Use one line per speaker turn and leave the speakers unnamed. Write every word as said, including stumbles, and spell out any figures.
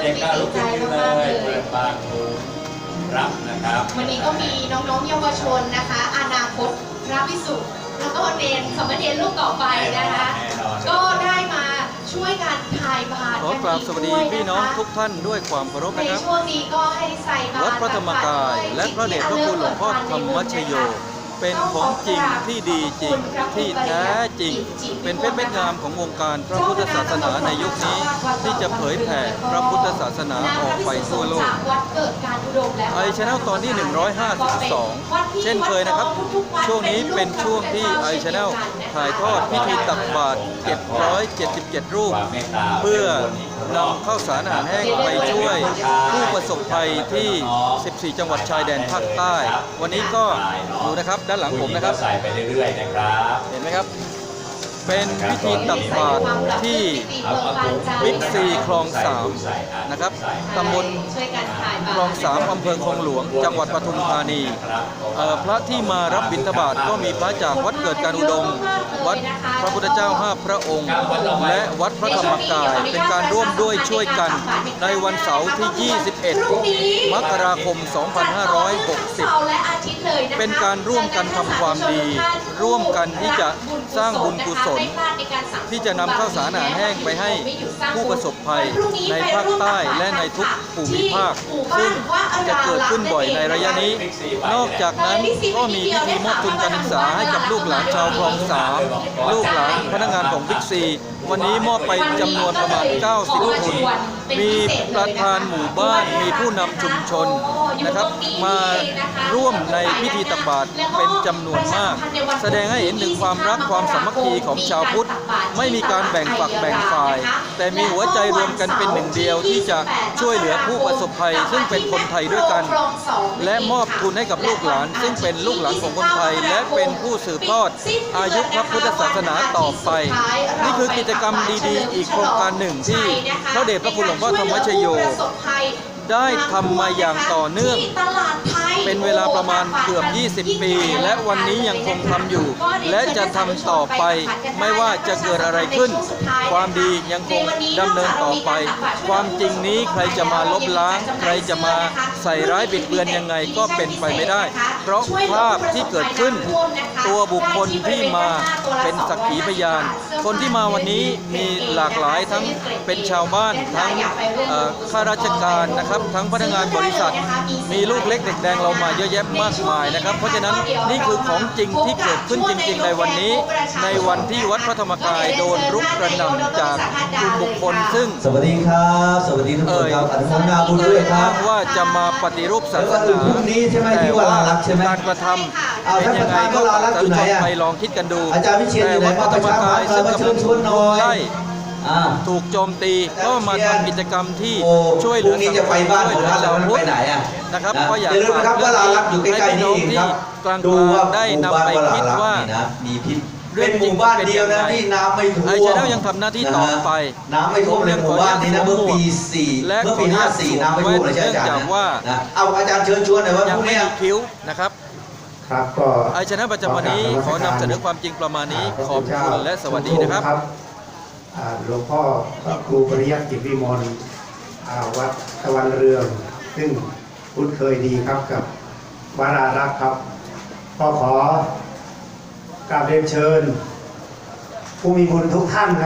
เด็กๆก็ลุกขึ้นยืนเลยเปิดปากดูรับนะครับ
วันนี้ก็มีน้องๆเยาวชนนะคะอนาคตพระภิกษุแล้วก็เนรสมณเณรลูกต่อไปนะคะก็ได้มาช่วยกันถ่ายบาตร
ขอกราบสวัสดีพี่น้องทุกท่านด้วยความเคารพนะครับ
ในช่วงนี้ก็ให้ใส่บาตร
วัดพระธรรมกายและพระเดชพระคุณหลวงพ่อธรรมชโยเป็นของจริงที่ดีจริงที่แท้จริงเป็นเพชรเม็ดงามของวงการพระพุทธศาสนาในยุคนี้ที่จะเผยแผ่พระพุทธศาสนาออกไปทั่วโลกไอชแนลตอนที่หนึ่งร้อยห้าสิบสองเช่นเคยนะครับช่วงนี้เป็นช่วงที่ไอชแนลถ่ายทอดพิธีตักบาตรเจ็ดร้อยเจ็ดสิบเจ็ดรูปเพื่อนำข้าวสารอาหารแห้งไปช่วยผู้ประสบภัยที่สิบสี่จังหวัดชายแดนภาคใต้วันนี้ก็ดูนะครับด้านหลังผมนะครับ
ใส่ไปเรื่อยๆนะครับ
เห็นไหมครับเป็นพิธีตักบาตรที่บิ๊กซีคลองสามนะครับตำบลคลองสามอำเภอคลองหลวงจังหวัดปทุมธานีพระที่มารับบิณฑบาตก็มีพระจากวัดเกิดการอุดมวัดพระพุทธเจ้าห้าพระองค์และวัดพระธรรมกายเป็นการร่วมด้วยช่วยกันในวันเสาร์ที่ยี่สิบเอ็ดมกราคมสองพันห้าร้อยหกสิบเป็นการร่วมกันทำความดีร่วมกันที่จะสร้างบุญกุศลที่จะนำข้าวสารอาหารแห้งไปให้ผู้ประสบภัยในภาคใต้และในทุกภูมิภาคซึ่งจะเกิดขึ้นบ่อยในระยะนี้นอกจากนั้นก็มีพิธีมอบทุนการศึกษาให้กับลูกหลานชาวคลองสามลูกหลานพนักงานของบิ๊กซีวันนี้มอบไปจำนวนประมาณเก้าสิบทุนมีประธานหมู่บ้านมีผู้นำชุมชนนะครับมาร่วมในพิธีตักบาตรเป็นจำนวนมากแสดงให้เห็นถึงความรักความสามัคคีของชาวพุทธไม่มีการแบ่งฝักแบ่งฝ่ายแต่มีหัวใจรวมกันเป็นหนึ่งเดียวที่จะช่วยเหลือผู้ประสบภัยซึ่งเป็นคนไทยด้วยกันและมอบทุนให้กับลูกหลานซึ่งเป็นลูกหลานของคนไทยและเป็นผู้สืบทอดอายุพระพุทธศาสนาต่อไปนี่คือกิจกรรมดีๆอีกโครงการหนึ่งที่พระเดชพระคุณหลวงพ่อธรรมชโยได้ทำมาอย่างต่อเนื่องเป็นเวลาประมาณเกือบยี่สิบปีและวันนี้ยังคงทำอยู่และจะทำต่อไปไม่ว่าจะเกิดอะไรขึ้นความดียังคงดำเนินต่อไปความจริงนี้ใครจะมาลบล้างใครจะมาใส่ร้ายบิดเบือนยังไงก็เป็นไปไม่ได้เพราะภาพที่เกิดขึ้นตัวบุคคลที่มาเป็นสักขีพยานคนที่มาวันนี้มีหลากหลายทั้งเป็นชาวบ้านทั้งข้าราชการนะครับทั้งพนักงานบริษัทมีลูกเล็กเด็กแดงเรามาเยอะแยะมากมายนะครับเพราะฉะนั้นนี่คือของจริงที่เกิดขึ้นจริงๆในวันนี้ในวันที่วัดพระธรรมกายโดนรุกกระหน่ำจากกลุ่มบุคคลซึ่ง
สวัสดีครับสวัสดีทุกคนครับอนุโมทนาบุญด้วยครับ
ว่าจะมาปฏิรูปศาสนา
พรุ่งนี้ใช่ไหมที่วราลักษ์ใช่ไหม
การกระทำเป็นยังไงก็ไปลองคิดกันดู
อาจารย์วิเชียรอยู่ไหนมาประชาสัมพันธ์ซึ่งกำลังชวนน้อย
ถูกโจมตีก็มาทำกิจกรรมที่ช่วยเหลือ
สังคมจะไปบ้านผมแล้วมันไปไหนอ่ะ
นะครับก็อยาก
ฝากว่าเรารักอยู่ใกล้ๆนี่เองครับดูว่าได้นำไปคิดว่ามีพิษเป็นหมู่บ้านเดียวนะที่น้ำไม่ท่วม
ไอชแนลยังทำหน้าที่ต่อไป
น้ำไม่ท่วมในหมู่บ้านนี้นะเมื่อปีสี่เมื่อปีห้าสี่น้ำไม่ท่วมเลยใช่อาจารย์นะเอาอาจารย์เชิญชวนหน่อยว่าพรุ่งนี้
คิ้วนะครับ
ครับก็
ไอชแนลประจำวันนี้ขอนำเสนอความจริงประมาณนี้ขอบคุณและสวัสดีนะครับ
หลวงพ่อพระครูปริยัติกิจวิมลวัดตะวันเรืองซึ่งคุ้นเคยดีครับกับวรารักษ์ครับก็ขอกราบเรียนเชิญผู้มีบุญทุกท่าน